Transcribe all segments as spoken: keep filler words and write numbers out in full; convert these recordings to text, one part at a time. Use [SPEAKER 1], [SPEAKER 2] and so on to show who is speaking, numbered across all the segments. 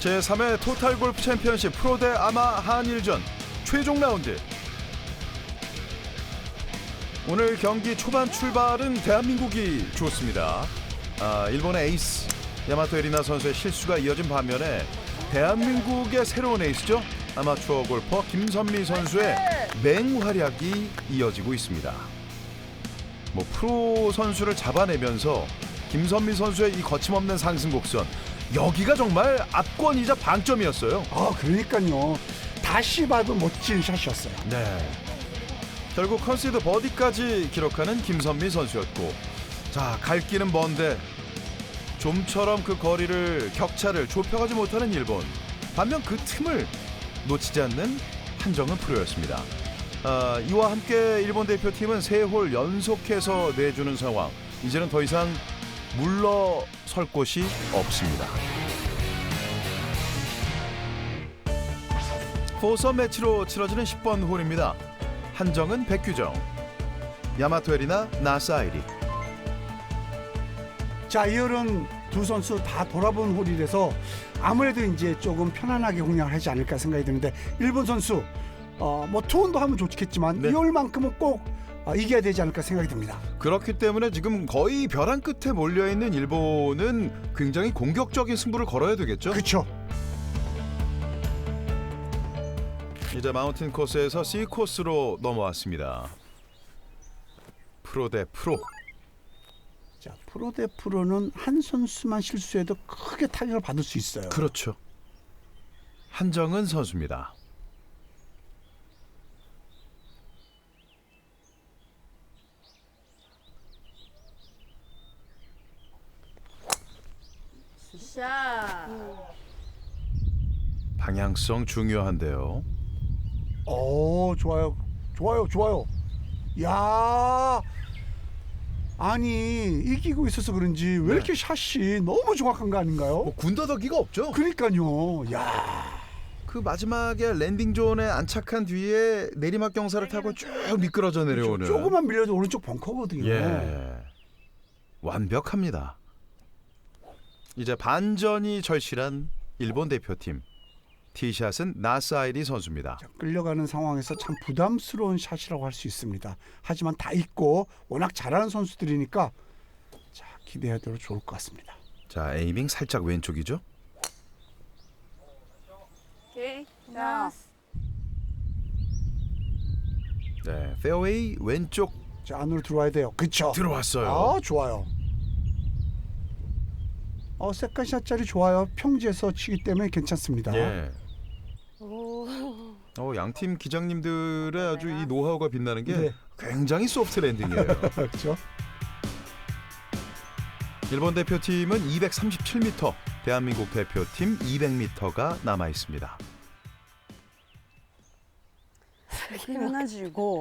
[SPEAKER 1] 제삼 회 토탈 골프 챔피언십 프로 대 아마 한일전 최종 라운드. 오늘 경기 초반 출발은 대한민국이 좋습니다. 아, 일본의 에이스 야마토 에리나 선수의 실수가 이어진 반면에 대한민국의 새로운 에이스죠. 아마추어 골퍼 김선미 선수의 맹활약이 이어지고 있습니다. 뭐 프로 선수를 잡아내면서 김선미 선수의 이 거침없는 상승 곡선, 여기가 정말 압권이자 방점이었어요.
[SPEAKER 2] 아, 그러니까요. 다시 봐도 멋진 샷이었어요.
[SPEAKER 1] 네. 결국 컨시드 버디까지 기록하는 김선미 선수였고, 자, 갈 길은 먼데 좀처럼 그 거리를 격차를 좁혀가지 못하는 일본. 반면 그 틈을 놓치지 않는 한정은 프로였습니다. 아, 이와 함께 일본 대표팀은 세 홀 연속해서 내주는 상황. 이제는 더 이상 물러설 곳이 없습니다. 포섬 매치로 치러지는 십 번 홀입니다. 한정은 백규정, 야마토 에리나 나사이리.
[SPEAKER 2] 자, 이 홀은 두 선수 다 돌아본 홀이라서 아무래도 이제 조금 편안하게 공략을 하지 않을까 생각이 드는데, 일본 선수 어, 뭐 투혼도 하면 좋겠지만
[SPEAKER 1] 네.
[SPEAKER 2] 이 홀만큼은 꼭 어, 이겨야 되지 않을까 생각이 듭니다.
[SPEAKER 1] 그렇기 때문에 지금 거의 벼랑 끝에 몰려있는 일본은 굉장히 공격적인 승부를 걸어야 되겠죠.
[SPEAKER 2] 그렇죠.
[SPEAKER 1] 이제 마운틴 코스에서 C 코스로 넘어왔습니다. 프로 대 프로.
[SPEAKER 2] 자, 프로 대 프로는 한 선수만 실수해도 크게 타격을 받을 수 있어요.
[SPEAKER 1] 그렇죠. 한정은 선수입니다.
[SPEAKER 3] 샤.
[SPEAKER 1] 방향성 중요한데요.
[SPEAKER 2] 오, 좋아요. 좋아요. 좋아요. 야, 아니, 이기고 있어서 그런지 왜
[SPEAKER 1] 네.
[SPEAKER 2] 이렇게 샷이 너무 정확한 거 아닌가요?
[SPEAKER 1] 뭐 군더더기가 없죠.
[SPEAKER 2] 그러니까요. 야,
[SPEAKER 1] 그 마지막에 랜딩 존에 안착한 뒤에 내리막 경사를 타고 쭉 미끄러져 내려오는.
[SPEAKER 2] 조금만 밀려도 오른쪽 벙커거든요.
[SPEAKER 1] 예, 완벽합니다. 이제 반전이 절실한 일본 대표팀. 티샷은 나사이리 선수입니다.
[SPEAKER 2] 자, 끌려가는 상황에서 참 부담스러운 샷이라고 할 수 있습니다. 하지만 다 있고 워낙 잘하는 선수들이니까 자, 기대해도 좋을 것 같습니다.
[SPEAKER 1] 자, 에이밍 살짝 왼쪽이죠.
[SPEAKER 3] 오케이. 자.
[SPEAKER 1] 네, 페어웨이 왼쪽
[SPEAKER 2] 자, 안으로 들어와야 돼요. 그쵸?
[SPEAKER 1] 들어왔어요.
[SPEAKER 2] 아, 좋아요. 어, 세컨샷짜리 좋아요. 평지에서 치기 때문에 괜찮습니다.
[SPEAKER 1] 예.
[SPEAKER 3] 오.
[SPEAKER 1] 어, 양팀 기장님들의 아주 이 노하우가 빛나는 게
[SPEAKER 2] 네.
[SPEAKER 1] 굉장히 소프트 랜딩이에요.
[SPEAKER 2] 그렇죠?
[SPEAKER 1] 일본 대표팀은 이백삼십칠 미터, 대한민국 대표팀 이백 미터가 남아 있습니다.
[SPEAKER 4] 백칠십오、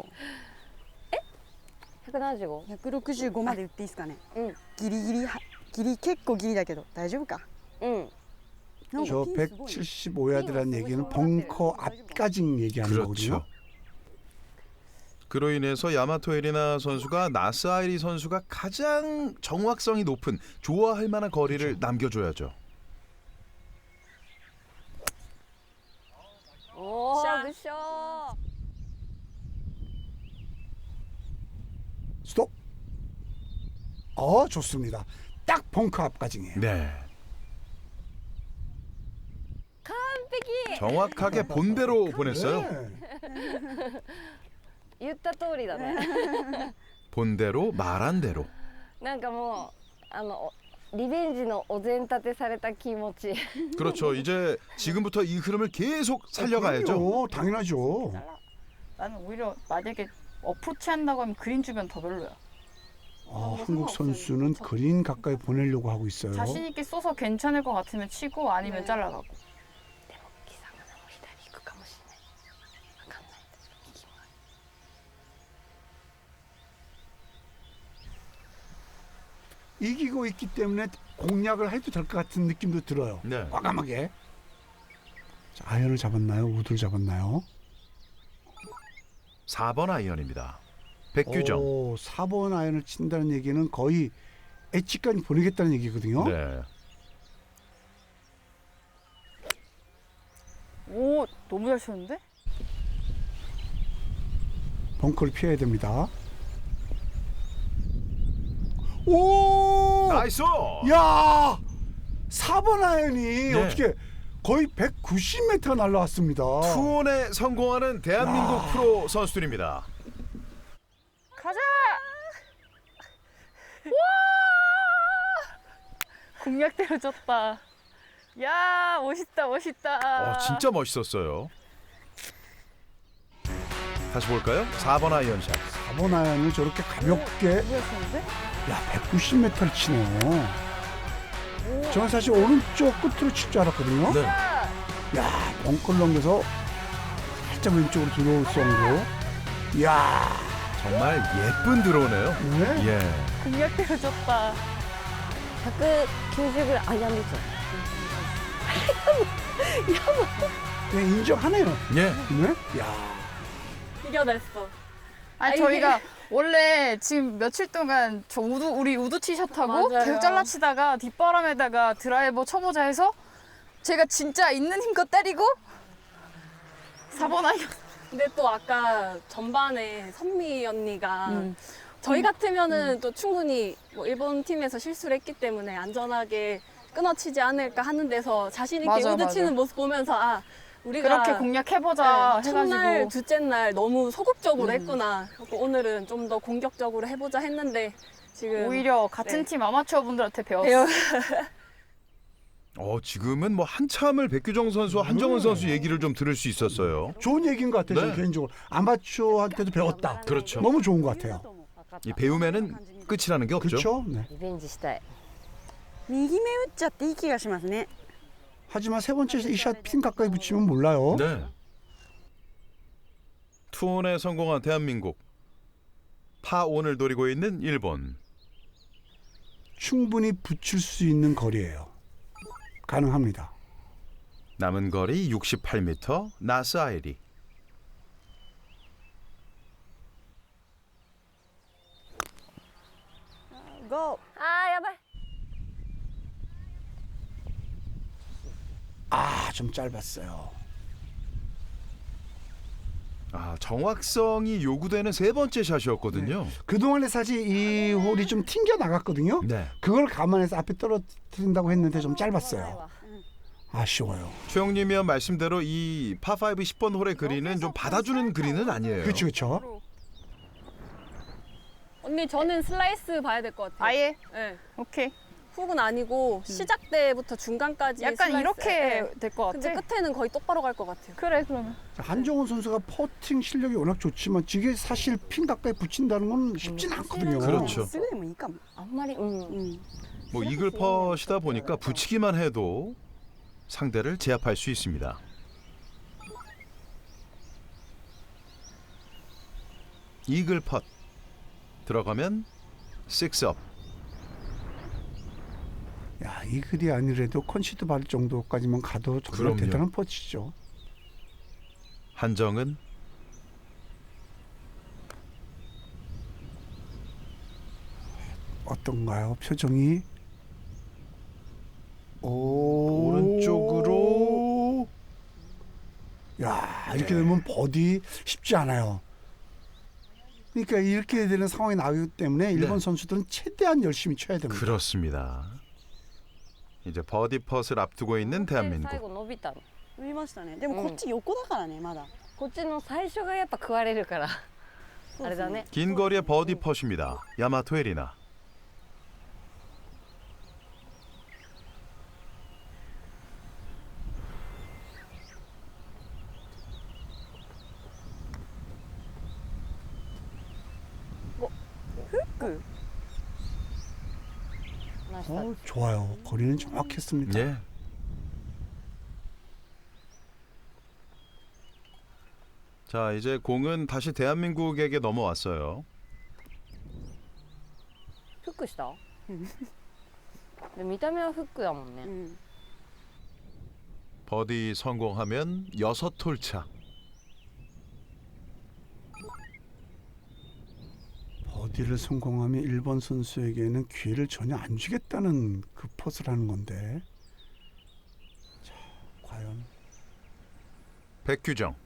[SPEAKER 3] 百七十五。
[SPEAKER 4] 百六十五まで打っていいですかね。
[SPEAKER 3] うん
[SPEAKER 4] ギリギリはギリ結構ギリだけど大丈夫か。
[SPEAKER 3] うん。
[SPEAKER 2] 저 백칠십오 야드라는 얘기는 벙커 앞까지 얘기하는 거거든요.
[SPEAKER 1] 그렇죠. 그로 인해서 야마토 에리나 선수가 나사이리 선수가 가장 정확성이 높은 좋아할 만한 거리를
[SPEAKER 2] 그렇죠.
[SPEAKER 1] 남겨줘야죠.
[SPEAKER 3] 오.
[SPEAKER 4] 샤.
[SPEAKER 3] 굿샷.
[SPEAKER 2] 스톱. 어, 좋습니다. 딱 벙커 앞까지예요.
[SPEAKER 1] 네.
[SPEAKER 3] 完璧。
[SPEAKER 1] 정확하게 본대로 보냈어요.
[SPEAKER 2] 네.
[SPEAKER 3] 言った通りだね。
[SPEAKER 1] 본대로 말한 대로.
[SPEAKER 3] なんかもうあのおリベンジのお膳立てされた気持ち。
[SPEAKER 1] 그렇죠. 이제 지금부터 이 흐름을 계속 살려가야죠.
[SPEAKER 2] 그럼요, 당연하죠.
[SPEAKER 5] 나는 오히려 만약에 어프로치 한다고 하면 그린 주변 더 별로야.
[SPEAKER 2] 아, 한국 선수는 그린 가까이 보내려고 하고 있어요.
[SPEAKER 5] 자신 있게 쏘서 괜찮을 것 같으면 치고 아니면
[SPEAKER 3] 네.
[SPEAKER 5] 잘라가고.
[SPEAKER 3] でも貴様なも左行くかもしれない。わかんない。右もある。
[SPEAKER 2] 이기고 있기 때문에 공략을 해도 될 것 같은 느낌도 들어요.
[SPEAKER 1] 네.
[SPEAKER 2] 과감하게. 자, 아이언을 잡았나요? 우드를 잡았나요?
[SPEAKER 1] 사 번 아이언입니다. 백규정.
[SPEAKER 2] 오, 사 번 아이언을 친다는 얘기는 거의 엣지까지 보내겠다는 얘기거든요.
[SPEAKER 1] 네.
[SPEAKER 5] 너무 잘 치는데?
[SPEAKER 2] 벙커를 피해야 됩니다. 오!
[SPEAKER 1] 나이스.
[SPEAKER 2] 야! 사 번 아이언이
[SPEAKER 1] 네.
[SPEAKER 2] 어떻게 거의 백구십 미터가 날라왔습니다.
[SPEAKER 1] 투혼에 성공하는 대한민국
[SPEAKER 2] 야.
[SPEAKER 1] 프로 선수들입니다.
[SPEAKER 5] 가자! 와! 공략대로 쳤다. 야, 멋있다, 멋있다.
[SPEAKER 1] 어, 진짜 멋있었어요. 다시 볼까요? 사 번 아이언샷.
[SPEAKER 2] 사 번 아이언을 저렇게 가볍게
[SPEAKER 5] 너무 잘 치는데?
[SPEAKER 2] 야 백구십 미터를 치네요. 저는 사실 오른쪽 끝으로 칠 줄 알았거든요.
[SPEAKER 1] 네.
[SPEAKER 2] 야 벙커를 넘겨서 살짝 왼쪽으로 들어올 정도. 야
[SPEAKER 1] 정말 예쁜 드로우네요.
[SPEAKER 2] 네?
[SPEAKER 1] 예.
[SPEAKER 5] 공략대로 쳤다.
[SPEAKER 3] ひゃくきゅうじゅうぐらいあやんですよ
[SPEAKER 2] 네, 인정하네요.
[SPEAKER 1] 예.
[SPEAKER 2] 네? 야
[SPEAKER 4] 이겨냈어.
[SPEAKER 5] 아니, 저희가 원래 지금 며칠 동안 저 우드, 우리 우드 티샷하고
[SPEAKER 4] 맞아요.
[SPEAKER 5] 계속 잘라치다가 뒷바람에다가 드라이버 쳐보자 해서 제가 진짜 있는 힘껏 때리고 사 번 아이언.
[SPEAKER 6] 근데 또 아까 전반에 선미 언니가
[SPEAKER 5] 음.
[SPEAKER 6] 저희 같으면은 또 충분히 뭐 일본 팀에서 실수를 했기 때문에 안전하게 끊어치지 않을까 하는 데서 자신 있게
[SPEAKER 5] 맞아,
[SPEAKER 6] 우드
[SPEAKER 5] 맞아.
[SPEAKER 6] 치는 모습 보면서 아 우리가
[SPEAKER 5] 그렇게 공략해보자
[SPEAKER 6] 네, 첫날
[SPEAKER 5] 해가지고.
[SPEAKER 6] 둘째 날 너무 소극적으로
[SPEAKER 5] 음.
[SPEAKER 6] 했구나. 그래서 오늘은 좀 더 공격적으로 해보자 했는데 지금
[SPEAKER 5] 오히려 같은
[SPEAKER 6] 네.
[SPEAKER 5] 팀 아마추어 분들한테 배웠어.
[SPEAKER 6] 배워
[SPEAKER 1] 어, 지금은 뭐 한참을 백규정 선수와 한정은 선수 얘기를 좀 들을 수 있었어요.
[SPEAKER 2] 좋은 얘기인 것 같아요.
[SPEAKER 1] 네.
[SPEAKER 2] 저는 개인적으로 아마추어한테도 배웠다.
[SPEAKER 1] 그렇죠.
[SPEAKER 2] 너무 좋은 것 같아요.
[SPEAKER 1] 이 배움에는 끝이라는 게 없죠.
[SPEAKER 2] 그렇죠. 네.
[SPEAKER 3] リベンジしたい
[SPEAKER 4] 右目打っちゃっていい気がしますね。
[SPEAKER 2] 하지만 세 번째 이 샷 핀 가까이 붙이면 몰라요.
[SPEAKER 1] 네. 투혼에 성공한 대한민국. 파온을 노리고 있는 일본.
[SPEAKER 2] 충분히 붙일 수 있는 거리예요. 가능합니다.
[SPEAKER 1] 남은 거리 육십팔 미터. 나스 아이리.
[SPEAKER 4] 고!
[SPEAKER 3] あーやばい
[SPEAKER 2] 아, 좀 짧았어요.
[SPEAKER 1] 아, 정확성이 요구되는 세 번째 샷이었거든요.
[SPEAKER 2] 그동안에 사실 이 홀이 좀 튕겨 나갔거든요.
[SPEAKER 1] 네.
[SPEAKER 2] 그걸 감안해서 앞에 떨어뜨린다고 했는데 좀 짧았어요. 아쉬워요.
[SPEAKER 1] 최영님이 한 말씀대로 이 파오 십 번 홀의 그린은 좀 받아주는 그린은 아니에요.
[SPEAKER 2] 그렇죠, 그렇죠.
[SPEAKER 6] 언니 저는 슬라이스 봐야 될 것 같아요.
[SPEAKER 5] 아예?
[SPEAKER 6] 네.
[SPEAKER 5] 오케이.
[SPEAKER 6] 훅은 아니고 시작 때부터 중간까지
[SPEAKER 5] 약간
[SPEAKER 6] 슬라이스.
[SPEAKER 5] 이렇게
[SPEAKER 6] 네.
[SPEAKER 5] 될 것 같아.
[SPEAKER 6] 근데 끝에는 거의 똑바로 갈 것 같아요.
[SPEAKER 5] 그래, 그러면.
[SPEAKER 2] 자, 한정훈 선수가 퍼팅 실력이 워낙 좋지만 이게 사실 핀 가까이 붙인다는 건 쉽진 않거든요.
[SPEAKER 1] 그렇죠.
[SPEAKER 4] すぐでもいいかも。
[SPEAKER 3] あんまりうん
[SPEAKER 4] 음.
[SPEAKER 1] 뭐 이글 퍼시다 보니까 붙이기만 해도 상대를 제압할 수 있습니다. 이글 펫 들어가면 식스업.
[SPEAKER 2] 야, 이 글이 아니래도 컨시드 받을 정도까지만 가도 정말
[SPEAKER 1] 그럼요.
[SPEAKER 2] 대단한 퍼치죠.
[SPEAKER 1] 한정은
[SPEAKER 2] 어떤가요? 표정이 오...
[SPEAKER 1] 오른쪽으로.
[SPEAKER 2] 야, 이렇게 되면 버디 쉽지 않아요. 그러니까 이렇게 되는 상황이 나오기 때문에 일본
[SPEAKER 1] 네.
[SPEAKER 2] 선수들은 최대한 열심히 쳐야 됩니다.
[SPEAKER 1] 그렇습니다. 이제 버디 펫을 앞두고 있는
[SPEAKER 3] 最
[SPEAKER 1] 대한민국.
[SPEAKER 3] 後伸びたの
[SPEAKER 4] 伸びましたね。でもこっち横だからね、まだ。
[SPEAKER 3] こっちの最初がやっぱ食われるからあれだね
[SPEAKER 1] 긴 거리의 버디 펫입니다. 야마토 에리나.
[SPEAKER 4] 그
[SPEAKER 2] 어, 좋아요. 거리는 정확했습니다.
[SPEAKER 1] 예. 자, 이제 공은 다시 대한민국에게 넘어왔어요.
[SPEAKER 3] フックしたで見た目はフックだもんね
[SPEAKER 4] 음.
[SPEAKER 1] 버디 성공하면 여섯 홀 차.
[SPEAKER 2] 버디를 성공하면 일본 선수에게는 기회를 전혀 안 주겠다는 그 포스를 하는 건데. 자, 과연
[SPEAKER 1] 백규정.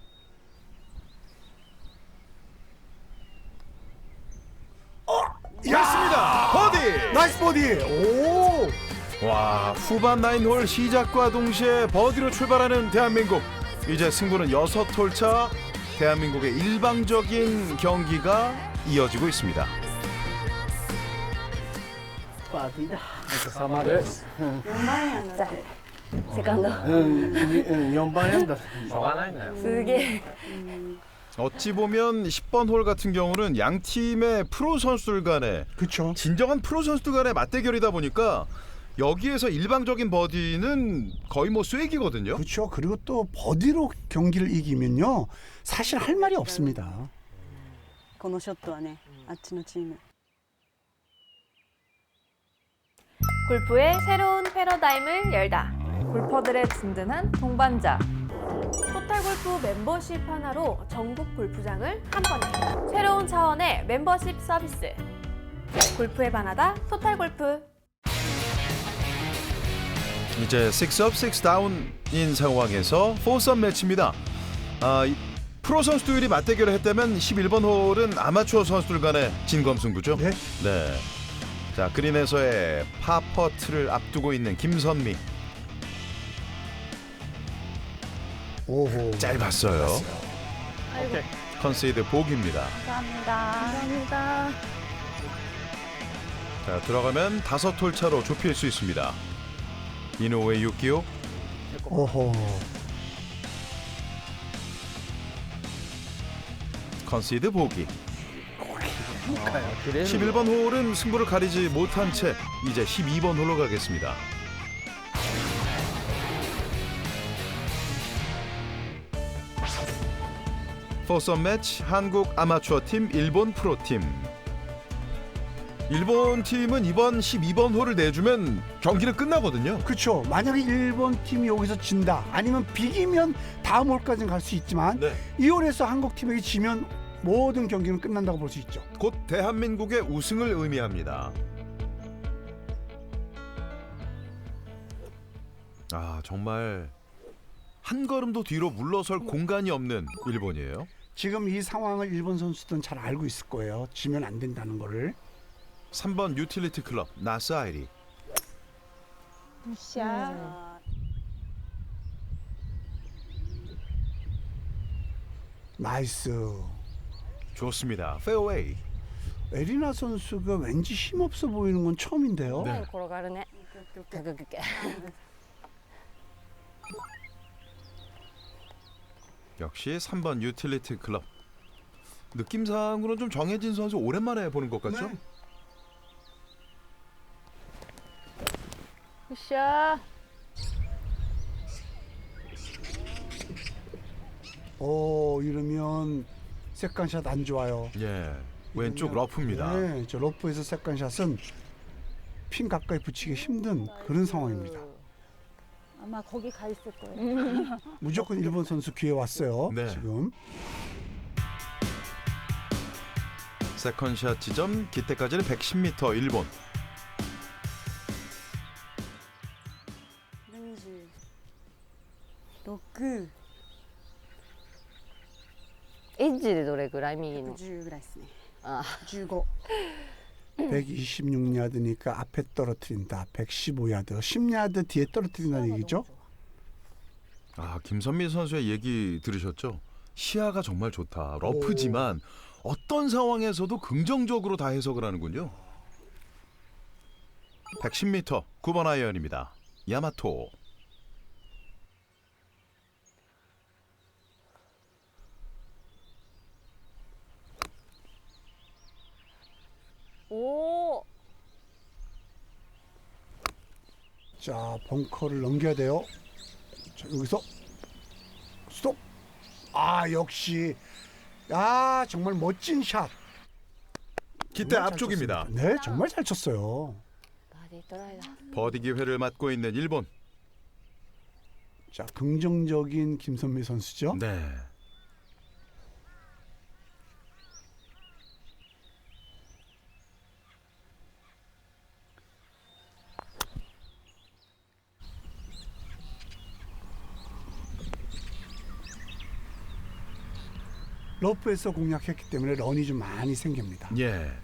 [SPEAKER 1] 맞습니다. 버디.
[SPEAKER 2] 나이스 버디. 오.
[SPEAKER 1] 와, 후반 나인홀 시작과 동시에 버디로 출발하는 대한민국. 이제 승부는 여섯 홀 차. 대한민국의 일방적인 경기가 이어지고 있습니다.
[SPEAKER 3] セカンド
[SPEAKER 7] うん、よんばん円だしょうがないんだよ。
[SPEAKER 3] すげえ
[SPEAKER 1] 어찌 보면 십 번 홀 같은 경우는 양 팀의 프로 선수들 간의
[SPEAKER 2] 그렇죠.
[SPEAKER 1] 진정한 프로 선수들 간의 맞대결이다 보니까 여기에서 일방적인 버디는 거의 뭐 쐐기거든요.
[SPEAKER 2] 그렇죠. 그리고 또 버디로 경기를 이기면요. 사실 할 말이 없습니다.
[SPEAKER 4] このショットはね、あっちのチーム
[SPEAKER 8] 골프의 새로운 패러다임을 열다. 골퍼들의 든든한 동반자. 토탈골프 멤버십 하나로 전국 골프장을 한 번에. 새로운 차원의 멤버십 서비스. 골프에 반하다 토탈골프.
[SPEAKER 1] 이제 식스업 식스다운인 상황에서 포섬 매치입니다. 아, 이 프로 선수들이 맞대결을 했다면 십일 번 홀은 아마추어 선수들 간의 진검승부죠.
[SPEAKER 2] 네.
[SPEAKER 1] 네. 자, 그린에서의 파퍼트를 앞두고 있는 김선미.
[SPEAKER 2] 오호.
[SPEAKER 1] 짧았어요. 컨세이드 보기입니다.
[SPEAKER 5] 감사합니다.
[SPEAKER 1] 자, 들어가면 다섯 홀 차로 좁힐 수 있습니다. 이노우의 육기호.
[SPEAKER 2] 오호.
[SPEAKER 1] 컨시드 보기.
[SPEAKER 7] 切れる
[SPEAKER 1] 십일 번 홀은 승부를 가리지 못한 채 이제 십이 번 홀로 가겠습니다. 포섬 매치 한국 아마추어 팀 일본 프로 팀. 일본 팀은 이번 십이 번 홀을 내주면 경기는 끝나거든요.
[SPEAKER 2] 그렇죠. 만약에 일본 팀이 여기서 진다. 아니면 비기면 다음 홀까지는 갈 수 있지만
[SPEAKER 1] 네.
[SPEAKER 2] 이 홀에서 한국 팀에게 지면 모든 경기는 끝난다고 볼 수 있죠.
[SPEAKER 1] 곧 대한민국의 우승을 의미합니다. 아, 정말 한 걸음도 뒤로 물러설 공간이 없는 일본이에요.
[SPEAKER 2] 지금 이 상황을 일본 선수들은 잘 알고 있을 거예요. 지면 안 된다는 거를.
[SPEAKER 1] 삼 번 유틸리티 클럽 나스 아이리.
[SPEAKER 4] 아,
[SPEAKER 2] 나이스.
[SPEAKER 1] 좋습니다. 페어웨이.
[SPEAKER 2] 에리나 선수가 왠지 힘없어 보이는 건 처음인데요.
[SPEAKER 1] 네.
[SPEAKER 3] 転がるねググググ
[SPEAKER 1] 역시 삼 번 유틸리티 클럽. 느낌상으로는 좀 정해진 선수 오랜만에 보는 것 같죠?
[SPEAKER 2] 네.
[SPEAKER 5] 굿샷.
[SPEAKER 2] 오, 이러면 세컨샷 안 좋아요.
[SPEAKER 1] 예. 왼쪽 러프입니다.
[SPEAKER 2] 네, 저 러프에서 세컨샷은 핀 가까이 붙이기 힘든 그런 상황입니다.
[SPEAKER 4] 아마 거기 가 있을 거예요.
[SPEAKER 2] 무조건 일본 선수 기회 왔어요.
[SPEAKER 1] 네.
[SPEAKER 2] 지금.
[SPEAKER 1] 세컨샷 지점 기대까지는 백십 미터 일본.
[SPEAKER 4] にじゅうろく、
[SPEAKER 3] エッジでどれぐらい右の
[SPEAKER 4] じゅうぐらいですね。
[SPEAKER 3] あ
[SPEAKER 4] じゅうご。
[SPEAKER 2] 백이십육 야드니까 앞에 떨어뜨린다. 백십오 야드. 십 야드 뒤에 떨어뜨린다는 얘기죠?
[SPEAKER 1] 아, 김선미 선수의 얘기 들으셨죠? 시야가 정말 좋다. 러프지만 어떤 상황에서도 긍정적으로 다 해석을 하는군요. 백십 미터 구 번 아이언입니다. 야마토.
[SPEAKER 3] お
[SPEAKER 2] 자, 벙커를 넘겨야 돼요. 자, 여기서 스톱. 아, 역시. 아, 정말 멋진 샷.
[SPEAKER 1] 기대
[SPEAKER 2] 정말 잘
[SPEAKER 1] 앞쪽입니다.
[SPEAKER 2] 쳤습니다. 네, 정말 잘 쳤어요.
[SPEAKER 3] バーディートライだ
[SPEAKER 1] 버디 기회를 맞고 있는 일본.
[SPEAKER 2] 자, 긍정적인 김선미 선수죠.
[SPEAKER 1] 네.
[SPEAKER 2] 러프에서 공략했기 때문에 런이 좀 많이 생깁니다.
[SPEAKER 1] 예.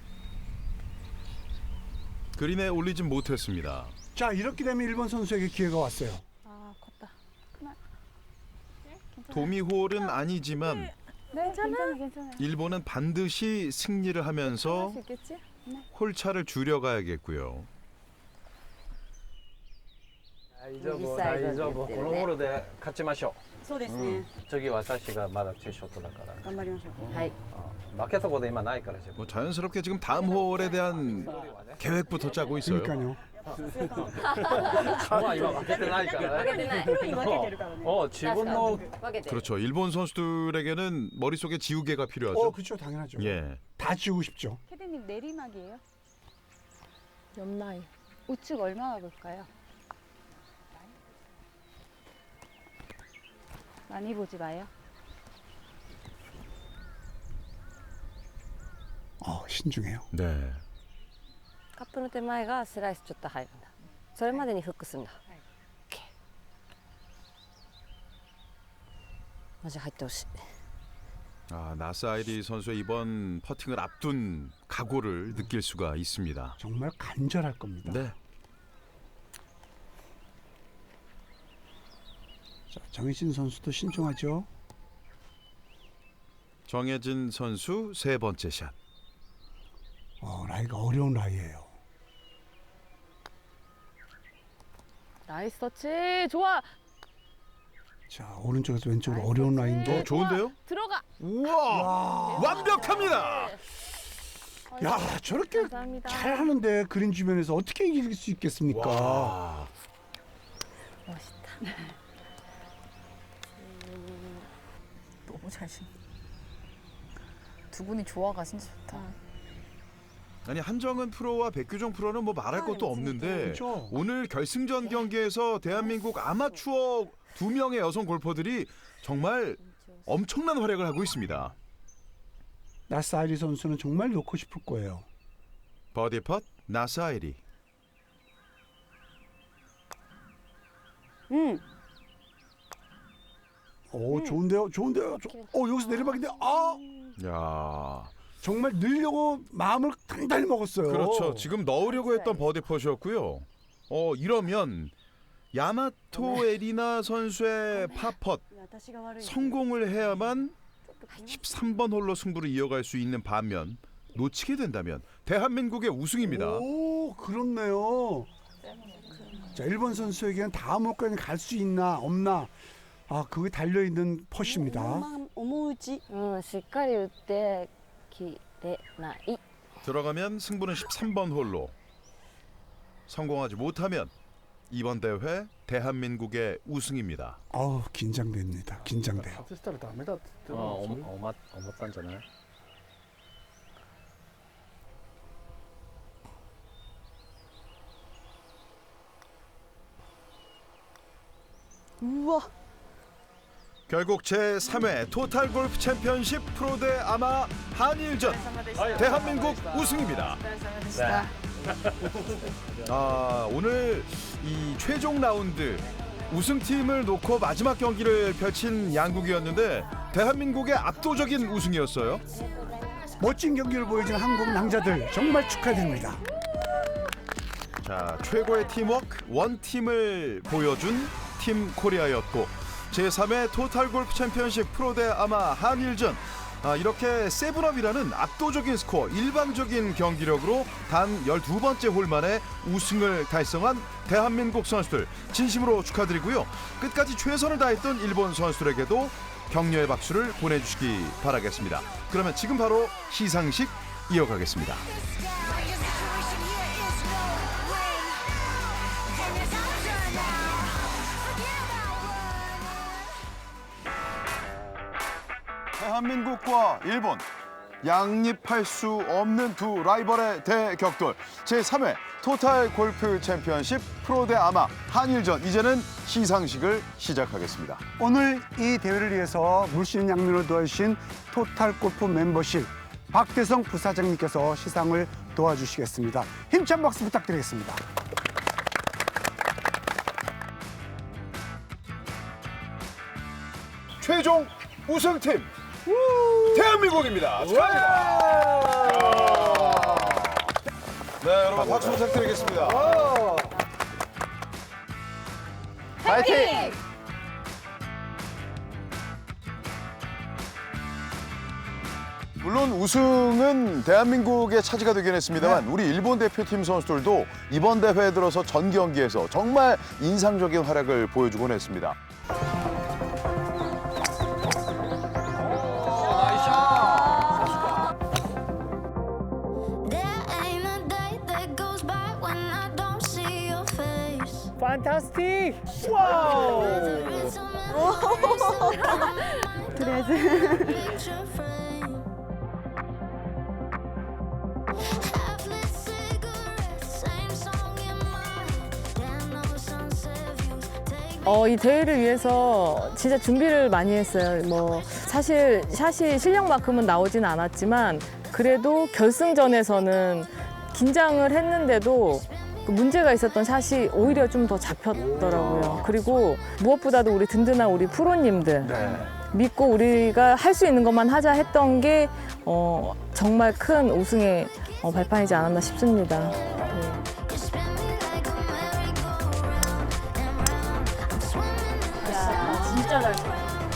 [SPEAKER 1] 그린에 올리진 못했습니다.
[SPEAKER 2] 자, 이렇게 되면 일본 선수에게 기회가 왔어요.
[SPEAKER 4] 아 컸다. 그만.
[SPEAKER 1] 도미홀은 아니지만
[SPEAKER 4] 네 괜찮아 괜찮아.
[SPEAKER 1] 일본은 반드시 승리를 하면서
[SPEAKER 4] 할 수 있겠지?
[SPEAKER 1] 홀차를 줄여가야겠고요.
[SPEAKER 7] 大丈夫大丈夫このゴールで勝ちましょ
[SPEAKER 9] そうです
[SPEAKER 7] う、
[SPEAKER 9] ね。
[SPEAKER 7] 次私がまだツーショットだから
[SPEAKER 9] 頑張りましょう。
[SPEAKER 7] はい負けたこと今ないから自分
[SPEAKER 1] 뭐 자연스럽게 지금 다음 홀에 대한 계획부터 짜고 있어요.
[SPEAKER 2] 그러니까요.
[SPEAKER 7] まあ今負けてないからね
[SPEAKER 8] 負けてない。
[SPEAKER 9] 負けてるからね。
[SPEAKER 7] 어自分の
[SPEAKER 8] 分けてる。
[SPEAKER 1] 그렇죠. 일본 선수들에게는 머릿속에 지우개가 필요하죠.
[SPEAKER 2] 어, 그렇죠. 당연하죠.
[SPEAKER 1] 예.
[SPEAKER 2] 다 지우고 싶죠.
[SPEAKER 4] 캐디님 내리막이에요? 옆라인. 우측 얼마나 볼까요? 많이 보지 마요.
[SPEAKER 2] 어, 신중해요.
[SPEAKER 1] 네.
[SPEAKER 3] カップの手前がスライスちょっと入るんだ。それまでにフックすんだ。OK。マジ入ってほしい。
[SPEAKER 1] 아, 나사이리 선수의 이번 퍼팅을 앞둔 각오를 느낄 수가 있습니다.
[SPEAKER 2] 정말 간절할 겁니다.
[SPEAKER 1] 네.
[SPEAKER 2] 자, 정혜진 선수도 신중하죠.
[SPEAKER 1] 정혜진 선수 세 번째 샷.
[SPEAKER 2] 어, 라이가 어려운 라이예요.
[SPEAKER 4] 나이스 터치. 좋아.
[SPEAKER 2] 자, 오른쪽에서 왼쪽으로 어려운 라인인데
[SPEAKER 1] 어, 좋은데요?
[SPEAKER 4] 들어가.
[SPEAKER 1] 우와! 완벽합니다.
[SPEAKER 2] 야, 저렇게
[SPEAKER 4] 감사합니다.
[SPEAKER 2] 잘 하는데 그린 주변에서 어떻게 이길 수 있겠습니까?
[SPEAKER 1] 와.
[SPEAKER 4] 멋있다.
[SPEAKER 5] 너무 잘신. 두 분이 조화가 진짜 좋다.
[SPEAKER 1] 아니 한정은 프로와 백규정 프로는 뭐 말할 것도 없는데
[SPEAKER 2] 그렇죠.
[SPEAKER 1] 오늘 결승전 경기에서 대한민국 아마추어 두 명의 여성 골퍼들이 정말 엄청난 활약을 하고 있습니다.
[SPEAKER 2] 나사이리 선수는 정말 놓고 싶을 거예요.
[SPEAKER 1] 버디 펫 나사이리.
[SPEAKER 3] 응.
[SPEAKER 2] 오, 좋은데요, 좋은데요. 조, 어, 여기서 내리막인데, 아,
[SPEAKER 1] 야,
[SPEAKER 2] 정말 늘려고 마음을 단단히 먹었어요.
[SPEAKER 1] 그렇죠. 지금 넣으려고 했던 버디 펫이었고요. 어 이러면 야마토 에리나 선수의 파펫
[SPEAKER 3] 私が悪い。
[SPEAKER 1] 성공을 해야만 십삼 번 홀로 승부를 이어갈 수 있는 반면 놓치게 된다면 대한민국의 우승입니다.
[SPEAKER 2] 오, 그렇네요. 자, 일본 선수에게는 다음 홀까지 갈 수 있나 없나, 아, 그게 달려 있는 펫입니다.
[SPEAKER 3] 思ううち。うん、しっかり打ってきれない。
[SPEAKER 1] 들어가면 승부는 십삼 번 홀로. 성공하지 못하면 이번 대회 대한민국의 우승입니다.
[SPEAKER 2] 아우, 긴장됩니다. 긴장돼요.
[SPEAKER 7] 外したらダメだって言って思思ったんじゃない
[SPEAKER 6] 우와.
[SPEAKER 1] 결국 제삼 회 토탈 골프 챔피언십 프로 대 아마 한일전 대한민국 우승입니다. 아, 오늘 이 최종 라운드 우승팀을 놓고 마지막 경기를 펼친 양국이었는데 대한민국의 압도적인 우승이었어요.
[SPEAKER 2] 멋진 경기를 보여준 한국 낭자들 정말 축하드립니다.
[SPEAKER 1] 자, 최고의 팀워크 원팀을 보여준 팀 코리아였고 제삼 회 토탈 골프 챔피언십 프로 대 아마 한일전, 아, 이렇게 세븐업이라는 압도적인 스코어, 일방적인 경기력으로 단 열두 번째 홀 만에 우승을 달성한 대한민국 선수들 진심으로 축하드리고요. 끝까지 최선을 다했던 일본 선수들에게도 격려의 박수를 보내주시기 바라겠습니다. 그러면 지금 바로 시상식 이어가겠습니다. 대한민국과 일본, 양립할 수 없는 두 라이벌의 대격돌 제삼 회 토탈 골프 챔피언십 프로 대 아마 한일전, 이제는 시상식을 시작하겠습니다.
[SPEAKER 2] 오늘 이 대회를 위해서 물씬 양면을 도와주신 토탈 골프 멤버십 박대성 부사장님께서 시상을 도와주시겠습니다. 힘찬 박수 부탁드리겠습니다.
[SPEAKER 1] 최종 우승팀 대한민국입니다. 축하합니다. 네, 여러분 박수 부탁드리겠습니다.
[SPEAKER 5] 파이팅!
[SPEAKER 1] 물론 우승은 대한민국의 차지가 되긴 했습니다만 우리 일본 대표팀 선수들도 이번 대회에 들어서 전 경기에서 정말 인상적인 활약을 보여주곤 했습니다.
[SPEAKER 7] 판타스틱!
[SPEAKER 9] 어, 이 대회를 위해서 진짜 준비를 많이 했어요. 뭐 사실 샷이 실력만큼은 나오진 않았지만 그래도 결승전에서는 긴장을 했는데도 그 문제가 있었던 샷이 오히려 좀 더 잡혔더라고요. 그리고 무엇보다도 우리 든든한 우리 프로님들 믿고 우리가 할 수 있는 것만 하자 했던 게 어, 정말 큰 우승의 어, 발판이지 않았나 싶습니다. 네.
[SPEAKER 5] 진짜 잘 쳤어.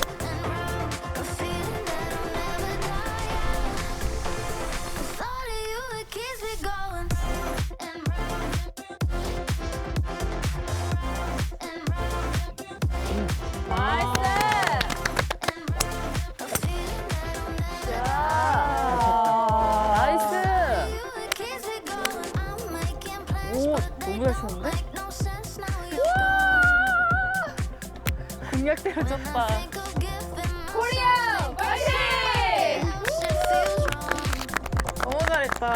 [SPEAKER 9] 너무 잘 쳤는데? 공략대로 쳤다.
[SPEAKER 5] 코리아 파이팅!
[SPEAKER 9] 너무 잘했다.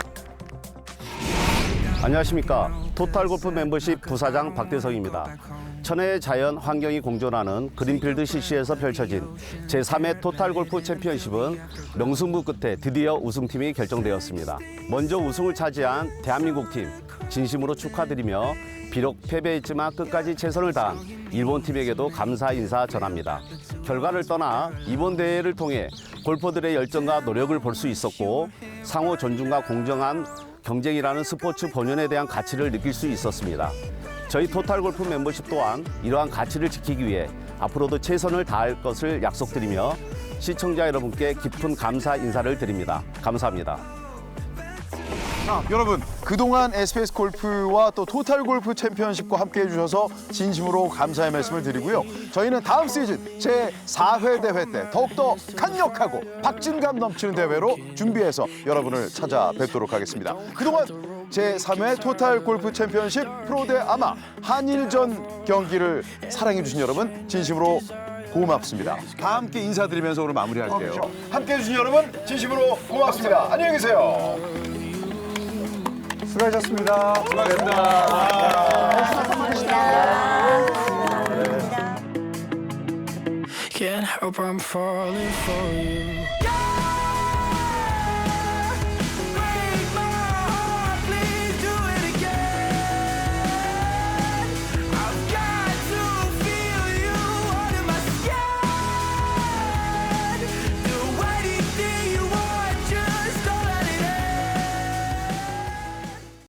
[SPEAKER 10] 안녕하십니까. 토탈골프 멤버십 부사장 박대성입니다. 천혜의 자연 환경이 공존하는 그린필드 씨씨에서 펼쳐진 제삼 회 토탈골프 챔피언십은 명승부 끝에 드디어 우승팀이 결정되었습니다. 먼저 우승을 차지한 대한민국 팀 진심으로 축하드리며 비록 패배했지만 끝까지 최선을 다한 일본 팀에게도 감사 인사 전합니다. 결과를 떠나 이번 대회를 통해 골퍼들의 열정과 노력을 볼 수 있었고 상호 존중과 공정한 경쟁이라는 스포츠 본연에 대한 가치를 느낄 수 있었습니다. 저희 토탈골프 멤버십 또한 이러한 가치를 지키기 위해 앞으로도 최선을 다할 것을 약속드리며 시청자 여러분께 깊은 감사 인사를 드립니다. 감사합니다.
[SPEAKER 1] 자, 여러분 그동안 에스비에스 골프와 또 토탈 골프 챔피언십과 함께 해주셔서 진심으로 감사의 말씀을 드리고요. 저희는 다음 시즌 제사 회 대회 때 더욱더 강력하고 박진감 넘치는 대회로 준비해서 여러분을 찾아뵙도록 하겠습니다. 그동안 제삼 회 토탈 골프 챔피언십 프로대 아마 한일전 경기를 사랑해주신 여러분 진심으로 고맙습니다. 다 함께 인사드리면서 오늘 마무리할게요. 함께해 주신 여러분 진심으로 고맙습니다. 안녕히 계세요.
[SPEAKER 2] 수고하셨습니다.
[SPEAKER 11] Can't help I'm falling for you.